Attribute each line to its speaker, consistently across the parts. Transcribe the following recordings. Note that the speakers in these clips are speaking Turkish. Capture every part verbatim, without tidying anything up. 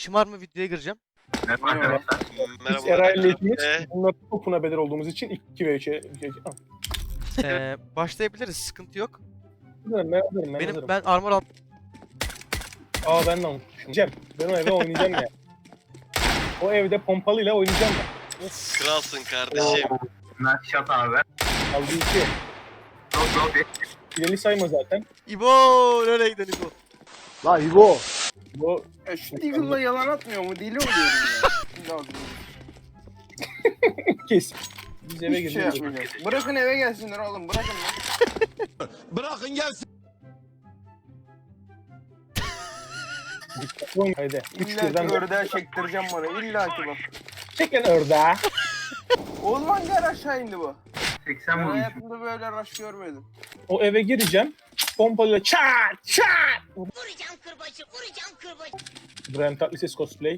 Speaker 1: şımarma videoya gireceğim.
Speaker 2: Merhaba arkadaşlar.
Speaker 3: Biz
Speaker 4: Merhaba.
Speaker 3: Eray'la ikimiz
Speaker 4: Ee?
Speaker 3: bunlar topuna bedel olduğumuz için iki ve üçe...
Speaker 1: Ee, başlayabiliriz, sıkıntı yok.
Speaker 3: Ben hazırım, ben hazırım. Ben
Speaker 1: Benim
Speaker 3: hazırım.
Speaker 1: ben armor al.
Speaker 3: Aa ben de unutmuşum. Cem, ben o evde oynayacağım ya. O evde pompalıyla oynayacağım ben.
Speaker 4: Kralsın kardeşim.
Speaker 2: Nice shot abi.
Speaker 3: Aldı iki.
Speaker 2: Drop drop ye.
Speaker 3: İleri sayma zaten.
Speaker 1: İbo, nereye gidelim İbo?
Speaker 5: La İbo.
Speaker 3: Bu
Speaker 5: Ya şu Deagle'la yalan atmıyor mu? Deli oluyorum ya. Şimdi ağzını.
Speaker 3: kes. Biz eve
Speaker 5: Hiçbir şey
Speaker 3: gidiyoruz.
Speaker 5: yapmayacağız. Bırakın eve gelsinler oğlum. Bırakın lan.
Speaker 6: Bırakın gelsin.
Speaker 3: Haydi. Üç
Speaker 5: İlla
Speaker 3: birden
Speaker 5: ki
Speaker 3: de.
Speaker 5: ördeğe çektireceğim bana. İlla ki bak.
Speaker 3: Çekin ördeğe.
Speaker 5: Oğlum hangi ara aşağı indi bu?
Speaker 2: seksen
Speaker 5: Ben
Speaker 2: vurmuşum.
Speaker 5: hayatımda böyle rush görmedim.
Speaker 3: O eve gireceğim. Pompalıyla çat çat.
Speaker 7: Vuracağım kırbacı, vuracağım kırbacı.
Speaker 3: İbrahim Tatlıses cosplay.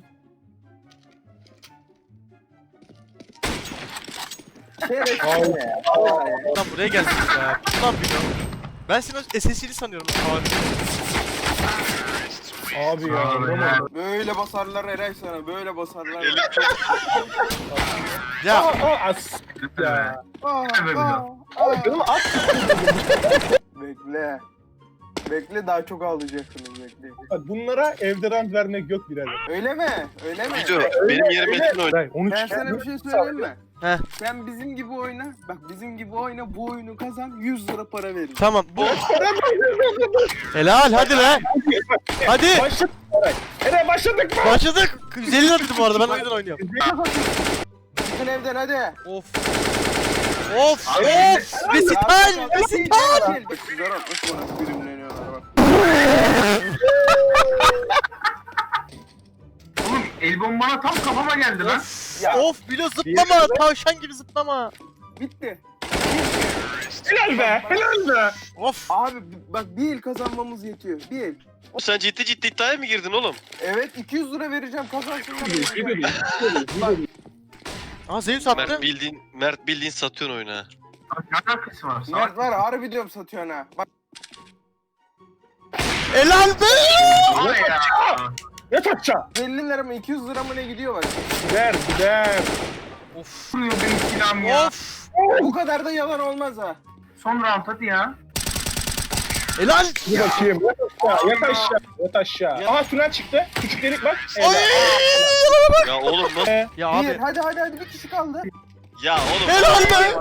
Speaker 5: Şerefsiz
Speaker 3: Ay.
Speaker 5: ya. Vallahi.
Speaker 1: Lan buraya geldik ya. Lan bir Ben seni S S C'li sanıyorum. Abi.
Speaker 3: Abi ya.
Speaker 2: Abi
Speaker 3: Roman.
Speaker 2: ya.
Speaker 5: Böyle basarlar Eray sana. Böyle basarlar.
Speaker 4: Elim çok
Speaker 3: Aa,
Speaker 1: Ya
Speaker 3: aa, as. Ya.
Speaker 5: Aa,
Speaker 2: Böyle
Speaker 5: aa,
Speaker 3: Aa,
Speaker 5: aa.
Speaker 3: canım at.
Speaker 5: Bekle. Bekle daha çok ağlayacaksınız bekle.
Speaker 3: Bak bunlara evde rant vermek yok birader.
Speaker 5: Öyle mi? Öyle mi?
Speaker 4: Video. Benim yerime kim oynuyor?
Speaker 3: Hayır, onu
Speaker 5: Ben
Speaker 3: çıkar.
Speaker 5: sana bir şey söyleyeyim mi?
Speaker 1: Heh.
Speaker 5: Sen bizim gibi oyna. Bak bizim gibi oyna. Bu oyunu kazan. yüz lira para veririm.
Speaker 1: tamam bu. Helal hadi be. Hadi.
Speaker 3: Başladık. Eray. Eray başladık mı?
Speaker 1: Başladık. yüz elli lira bu arada ben o yüzden oynuyorum.
Speaker 5: Çıkın evden hadi.
Speaker 1: Of. Of
Speaker 2: Abi,
Speaker 1: of. Resital. Resital.
Speaker 5: Bak sizler atmış bana birimleniyorlar bak.
Speaker 2: Oğlum el bombana tam kafama geldi lan.
Speaker 5: Ya.
Speaker 1: Of bilo zıplama. Tavşan gibi zıplama.
Speaker 5: Bitti.
Speaker 3: Helal be. Helal be.
Speaker 1: Of.
Speaker 5: Abi bak bir el kazanmamız yetiyor. Bir el.
Speaker 4: Sen ciddi ciddi iddiaya mı girdin oğlum?
Speaker 5: Evet iki yüz lira vereceğim kazansınlar.
Speaker 3: Bir veriyor.
Speaker 5: Bak
Speaker 1: Aa Zeus attı.
Speaker 4: Mert bildiğin Mert bildiğin satıyorsun oyunu ha.
Speaker 2: Abi ne alakası var?
Speaker 5: Mert var harbi diyorum satıyorsun ha. Bak
Speaker 1: Helal be.
Speaker 2: Abi ya.
Speaker 3: Yat aşağı.
Speaker 5: elli lira mı iki yüz lira mı ne gidiyor bak.
Speaker 3: Gider gider.
Speaker 1: Of.
Speaker 2: Vuruyor benim silahım ya.
Speaker 1: Of.
Speaker 5: Bu kadar da yalan olmaz ha.
Speaker 2: Son round hadi ya.
Speaker 1: Helal.
Speaker 3: Dur bakayım. Yat aşağı. Yat aşağı. Yat aşağı. Aha tünel çıktı. Küçük delik bak.
Speaker 1: Ay.
Speaker 3: Helal.
Speaker 4: Ya oğlum nasıl?
Speaker 3: Ee,
Speaker 1: Ya
Speaker 5: Bir
Speaker 1: abi.
Speaker 5: hadi hadi hadi bir kişi kaldı.
Speaker 4: Ya oğlum.
Speaker 1: Helal be.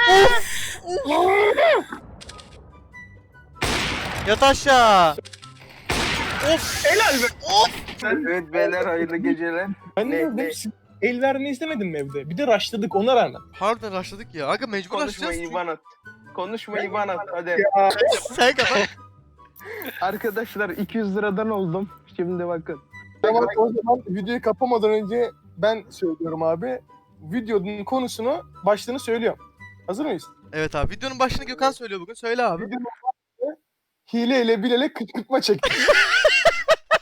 Speaker 1: Yat aşağı. Of.
Speaker 3: Helal be.
Speaker 5: Evet beyler hayırlı geceler.
Speaker 3: Ben
Speaker 5: Ne-
Speaker 3: ne
Speaker 5: ne?
Speaker 3: dedim? Siz el vermeyi izlemedin mi evde? Bir de rushladık ona rağmen.
Speaker 1: Harbiden başladık ya. Aga mecbur
Speaker 5: Konuşma
Speaker 1: açacağız.
Speaker 5: İvan at. Konuşma İvan at hadi.
Speaker 3: Ya.
Speaker 1: Sen kapat.
Speaker 5: Arkadaşlar iki yüz liradan oldum. Şimdi bakın.
Speaker 8: Tamam o zaman videoyu kapamadan önce ben söylüyorum abi. Videonun konusunu, başlığını söylüyorum. Hazır mıyız?
Speaker 1: Evet abi. Videonun başını Gökhan söylüyor bugün. Söyle abi.
Speaker 8: Videonun başlığı hileyle bilele kışkırtma çekti.